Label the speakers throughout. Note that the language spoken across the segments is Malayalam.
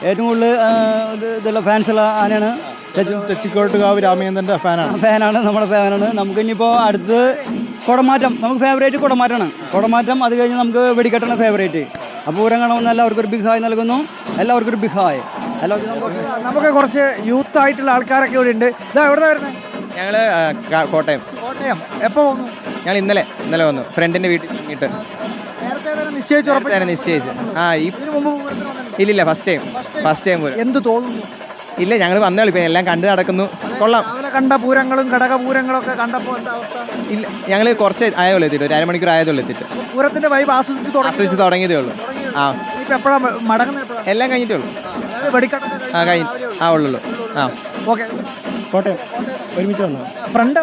Speaker 1: ഏറ്റവും കൂടുതൽ ഇതുള്ള ഫാൻസുള്ള ആനയാണ്.
Speaker 2: തെച്ചിക്കോട്ടുകാവ് രാമചന്ദ്രൻ്റെ
Speaker 1: ഫാനാണ്, നമ്മുടെ ഫാനാണ്. നമുക്ക് ഇനിയിപ്പോൾ അടുത്ത് കുടമാറ്റം, നമുക്ക് ഫേവറേറ്റ് കുടമാറ്റമാണ്. കുടമാറ്റം അത് കഴിഞ്ഞ് നമുക്ക് വെടിക്കെട്ടാണ് ഫേവറേറ്റ്. അപ്പോൾ പൂരം കാണുമെന്ന് എല്ലാവർക്കും ഒരു ബിഗ് ഹായ് നൽകുന്നു. എല്ലാവർക്കും ഒരു ബിഗ് ഹായ്.
Speaker 3: നമുക്ക് കുറച്ച് യൂത്ത് ആയിട്ടുള്ള ആൾക്കാരൊക്കെ ഇവിടെ ഉണ്ട്. ഇതാ എവിടെ വരുന്നത്?
Speaker 4: ഞങ്ങൾ കോട്ടയം.
Speaker 3: എപ്പോൾ വന്നു?
Speaker 4: ഞങ്ങൾ ഇന്നലെ വന്നു, ഫ്രണ്ടിൻ്റെ വീട്ടിൽ ഇട്ട് നിശ്ചയിച്ചു. ഇല്ലില്ല, ഫസ്റ്റ് ടൈം പോലും.
Speaker 3: എന്ത് തോന്നുന്നു?
Speaker 4: ഇല്ല, ഞങ്ങൾ വന്നേ ഇപ്പം എല്ലാം കണ്ടു നടക്കുന്നു. കൊള്ളാം.
Speaker 3: കണ്ട പൂരങ്ങളും ഘടകപൂരങ്ങളും ഒക്കെ കണ്ടപ്പോൾ
Speaker 4: ഇല്ല, ഞങ്ങൾ കുറച്ച് ആയതുള്ളൂ എത്തിയിട്ട്, ഒരു അരമണിക്കൂർ ആയതുള്ളൂ എത്തിയിട്ട്.
Speaker 3: പൂരത്തിന്റെ വൈബ് ആസ്വദിച്ച്
Speaker 4: തുടങ്ങിയതേ ഉള്ളൂ. ആ,
Speaker 3: എപ്പോഴാണ് മടങ്ങുന്നത്?
Speaker 4: എല്ലാം കഴിഞ്ഞിട്ടേ ഉള്ളൂ. ഉള്ളൂ. ആ,
Speaker 3: ഓക്കെ.
Speaker 2: കോട്ടയം ഒരുമിച്ച് വന്നു.
Speaker 3: ഫ്രണ്ട്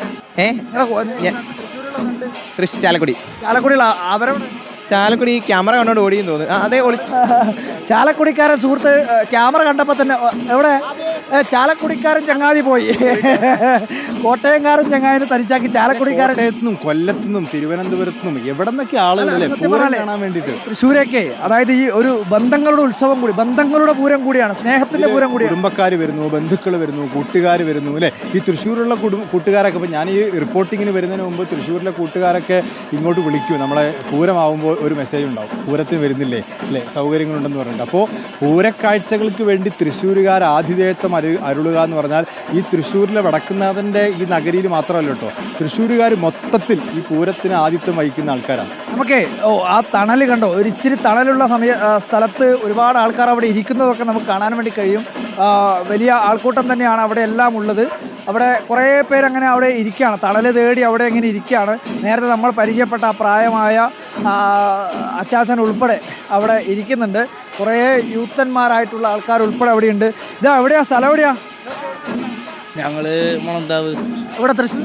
Speaker 4: ചാലക്കുടി ചാലക്കുടി ക്യാമറ കണ്ടോണ്ട് ഓടിയെന്ന് തോന്നുന്നു. അതേ
Speaker 3: ചാലക്കുടിക്കാരൻ സുഹൃത്ത് ക്യാമറ കണ്ടപ്പോൾ തന്നെ എവിടെ ചാലക്കുടിക്കാരൻ ചങ്ങാതി പോയി. കോട്ടയംകാരൻ ചങ്ങാതിനെ തനിച്ചാക്കി ചാലക്കുടിക്കാരൻ.
Speaker 2: കൊല്ലത്തുനിന്നും തിരുവനന്തപുരത്തുനിന്നും എവിടെ നിന്നൊക്കെ ആളുകളല്ലേ പൂരം കാണാൻ വേണ്ടിയിട്ട്.
Speaker 3: തൃശ്ശൂരൊക്കെ അതായത് ഈ ഒരു ബന്ധങ്ങളുടെ ഉത്സവം കൂടി, ബന്ധങ്ങളുടെ പൂരം കൂടിയാണ്, സ്നേഹത്തിന്റെ പൂരം കൂടി.
Speaker 2: കുടുംബക്കാർ വരുന്നു, ബന്ധുക്കൾ വരുന്നു, കൂട്ടുകാർ വരുന്നു അല്ലേ. ഈ തൃശ്ശൂരുള്ള കൂട്ടുകാരൊക്കെ ഇപ്പം ഞാൻ ഈ റിപ്പോർട്ടിങ്ങിന് വരുന്നതിന് മുമ്പ് തൃശ്ശൂരിലെ കൂട്ടുകാരൊക്കെ ഇങ്ങോട്ട് വിളിക്കും. നമ്മളെ പൂരമാവുമ്പോൾ ഒരു മെസ്സേജ് ഉണ്ടാവും, പൂരത്തിന് വരുന്നില്ലേ അല്ലേ, സൗകര്യങ്ങളുണ്ടെന്ന് പറഞ്ഞിട്ട്. അപ്പോൾ പൂരക്കാഴ്ചകൾക്ക് വേണ്ടി തൃശ്ശൂരുകാർ ആതിഥേയത്വം അരുളുക എന്ന് പറഞ്ഞാൽ ഈ തൃശ്ശൂരിലെ വടക്കുന്നാഥൻ്റെ ഈ നഗരിയിൽ മാത്രമല്ല കേട്ടോ, തൃശ്ശൂരുകാർ മൊത്തത്തിൽ ഈ പൂരത്തിന് ആതിഥ്യം വഹിക്കുന്ന ആൾക്കാരാണ്.
Speaker 3: നമുക്ക് ആ തണൽ കണ്ടോ, ഒരു ഇച്ചിരി തണലുള്ള സ്ഥലത്ത് ഒരുപാട് ആൾക്കാർ അവിടെ ഇരിക്കുന്നതൊക്കെ നമുക്ക് കാണാൻ വേണ്ടി കഴിയും. വലിയ ആൾക്കൂട്ടം തന്നെയാണ് അവിടെ എല്ലാം ഉള്ളത്. അവിടെ കുറേ പേരങ്ങനെ അവിടെ ഇരിക്കുകയാണ്, തണൽ തേടി അവിടെ ഇങ്ങനെ ഇരിക്കുകയാണ്. നേരത്തെ നമ്മൾ പരിചയപ്പെട്ട ആ പ്രായമായ അച്ചാച്ചൻ ഉൾപ്പെടെ അവിടെ ഇരിക്കുന്നുണ്ട്. കുറേ യൂത്തന്മാരായിട്ടുള്ള ആൾക്കാർ ഉൾപ്പെടെ അവിടെയുണ്ട്. ഇതാ എവിടെയാ സ്ഥലം? എവിടെയാ?
Speaker 5: ഞങ്ങള് മുളന്താവ്.
Speaker 3: ഇവിടെ തൃശ്ശൂർ.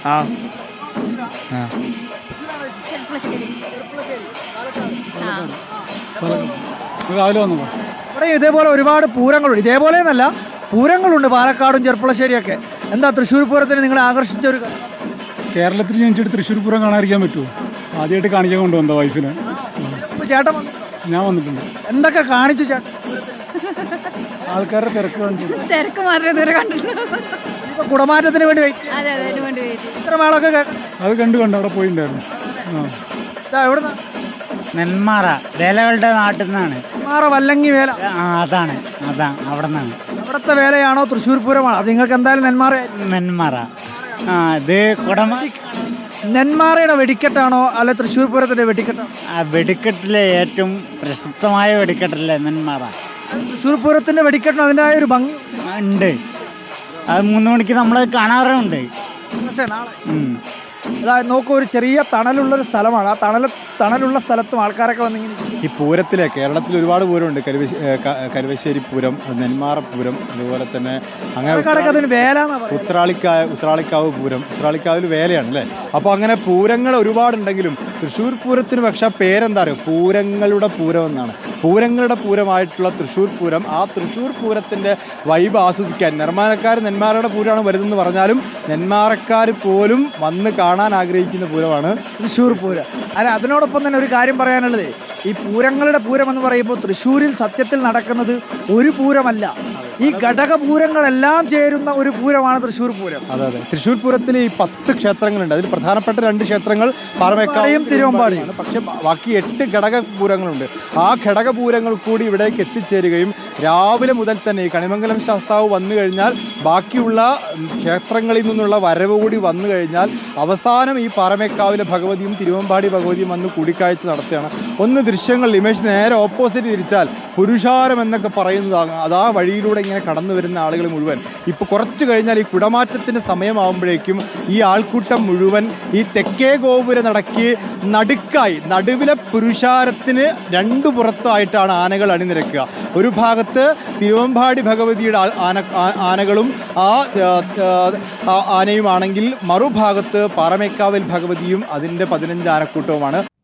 Speaker 2: രാവിലെ വന്നു.
Speaker 3: ഇവിടെ ഇതേപോലെ ഒരുപാട് പൂരങ്ങളുണ്ട്. ഇതേപോലെ എന്നല്ല, പൂരങ്ങളുണ്ട് പാലക്കാടും ചെർപ്പുളശ്ശേരിയൊക്കെ. എന്താ തൃശ്ശൂർ പൂരത്തിന് നിങ്ങളെ ആകർഷിച്ച ഒരു?
Speaker 2: കേരളത്തിൽ ജനിച്ചിട്ട് തൃശ്ശൂർ പൂരം കാണാതിരിക്കാൻ പറ്റുമോ? ആദ്യമായിട്ട് കാണിക്കാൻ കൊണ്ടുവന്നോ വൈഫിനെ?
Speaker 3: ചേട്ടൻ
Speaker 2: ഞാൻ വന്നിട്ടുണ്ട്.
Speaker 3: എന്തൊക്കെ കാണിച്ചു ചേട്ടൻ?
Speaker 2: ആൾക്കാരുടെ തിരക്ക്
Speaker 6: തിരക്ക് മാത്രമേ ഇതുവരെ കണ്ടിട്ടുള്ളൂ.
Speaker 3: കുടമാറ്റത്തിന് വേണ്ടി
Speaker 6: ഇത്ര
Speaker 3: മേളൊക്കെ
Speaker 2: അത് കണ്ടു അവിടെ പോയിട്ടുണ്ടായിരുന്നു.
Speaker 3: എവിടുന്ന?
Speaker 5: നെന്മാറ വേലകളുടെ നാട്ടിൽ നിന്നാണ്.
Speaker 3: നെന്മാറ വല്ലങ്ങി വേല.
Speaker 5: അതാണ് അവിടെ നിന്നാണ്.
Speaker 3: അവിടുത്തെ വേലയാണോ തൃശ്ശൂർ പൂരമാണോ? അത് നിങ്ങൾക്ക് എന്തായാലും
Speaker 5: നെന്മാറ. ഇത്
Speaker 3: നെന്മാറയുടെ വെടിക്കെട്ടാണോ അല്ലെ തൃശ്ശൂർ പൂരത്തിന്റെ വെടിക്കെട്ടാണോ?
Speaker 5: വെടിക്കെട്ടിലെ ഏറ്റവും പ്രശസ്തമായ വെടിക്കെട്ടല്ലേ നെന്മാറ.
Speaker 3: തൃശ്ശൂർ പൂരത്തിന്റെ വെടിക്കെട്ടിന് അതിൻ്റെതായ ഒരു ഭംഗി
Speaker 5: ഉണ്ട്. അത് 3 മണിക്ക് നമ്മൾ കാണാറുണ്ട്.
Speaker 3: അതായത് നോക്കൂ, ഒരു ചെറിയ തണലുള്ളൊരു സ്ഥലമാണ്. ആ തണലുള്ള സ്ഥലത്തും ആൾക്കാരൊക്കെ വന്നിങ്ങനെ.
Speaker 2: ഈ പൂരത്തിലെ കേരളത്തിൽ ഒരുപാട് പൂരമുണ്ട്. കരുവശ്ശേരി പൂരം, നെന്മാറ പൂരം, അതുപോലെ തന്നെ അങ്ങനെ
Speaker 3: വേല,
Speaker 2: ഉത്രാളിക്കാവ് പൂരം. ഉത്രാളിക്കാവിൽ വേലയാണ് അല്ലേ. അപ്പോൾ അങ്ങനെ പൂരങ്ങൾ ഒരുപാടുണ്ടെങ്കിലും തൃശ്ശൂർ പൂരത്തിന് പക്ഷേ പേരെന്താ അറിയോ? പൂരങ്ങളുടെ പൂരം എന്നാണ്. പൂരങ്ങളുടെ പൂരമായിട്ടുള്ള തൃശ്ശൂർ പൂരം, ആ തൃശ്ശൂർ പൂരത്തിൻ്റെ വൈബ് ആസ്വദിക്കാൻ നെന്മാറയുടെ പൂരമാണ് വരുന്നതെന്ന് പറഞ്ഞാലും നെന്മാറക്കാർ പോലും വന്ന് കാണാൻ ആഗ്രഹിക്കുന്ന പൂരമാണ്
Speaker 3: തൃശ്ശൂർ പൂരം. അല്ല, അതിനോടൊപ്പം തന്നെ ഒരു കാര്യം പറയാനുള്ളത്, ഈ പൂരങ്ങളുടെ പൂരം എന്ന് പറയുമ്പോൾ തൃശ്ശൂരിൽ സത്യത്തിൽ നടക്കുന്നത് ഒരു പൂരമല്ല, ഈ ഘടകപൂരങ്ങളെല്ലാം ചേരുന്ന ഒരു പൂരമാണ് തൃശ്ശൂർ പൂരം.
Speaker 2: അതെ. തൃശ്ശൂർ പൂരത്തിൽ ഈ 10 ക്ഷേത്രങ്ങളുണ്ട്. അതിൽ പ്രധാനപ്പെട്ട 2 ക്ഷേത്രങ്ങൾ പാറമേക്കാവും തിരുവമ്പാടിയാണ്. പക്ഷെ ബാക്കി 8 ഘടകപൂരങ്ങളുണ്ട്. ആ ഘടകപൂരങ്ങൾ കൂടി ഇവിടേക്ക് എത്തിച്ചേരുകയും രാവിലെ മുതൽ തന്നെ ഈ കണിമംഗലം ശാസ്താവ് വന്നു കഴിഞ്ഞാൽ ബാക്കിയുള്ള ക്ഷേത്രങ്ങളിൽ നിന്നുള്ള വരവ് കൂടി വന്നു കഴിഞ്ഞാൽ അവസാനം ഈ പാറമേക്കാവിലെ ഭഗവതിയും തിരുവമ്പാടി ഭഗവതിയും വന്ന് കൂടിക്കാഴ്ച നടത്തുകയാണ്. ഒന്ന് ദൃശ്യങ്ങൾ ഇമേജ് നേരെ ഓപ്പോസിറ്റ് തിരിച്ചാൽ പുരുഷാരം എന്നൊക്കെ പറയുന്നതാണ്. അതാ വഴിയിലൂടെ ഇങ്ങനെ കടന്നു വരുന്ന ആളുകൾ മുഴുവൻ ഇപ്പോൾ കുറച്ച് കഴിഞ്ഞാൽ ഈ കുടമാറ്റത്തിൻ്റെ സമയമാകുമ്പോഴേക്കും ഈ ആൾക്കൂട്ടം മുഴുവൻ ഈ തെക്കേ ഗോപുര നടക്കി നടുവിലെ പുരുഷാരത്തിന് 2 പുറത്തായിട്ടാണ് ആനകൾ അണിനിരക്കുക. ഒരു ഭാഗത്ത് തിരുവമ്പാടി ഭഗവതിയുടെ ആനകളും ആനയുമാണെങ്കിൽ മറുഭാഗത്ത് പാറമേക്കാവിൽ ഭഗവതിയും അതിൻ്റെ 15 ആനക്കൂട്ടവുമാണ്.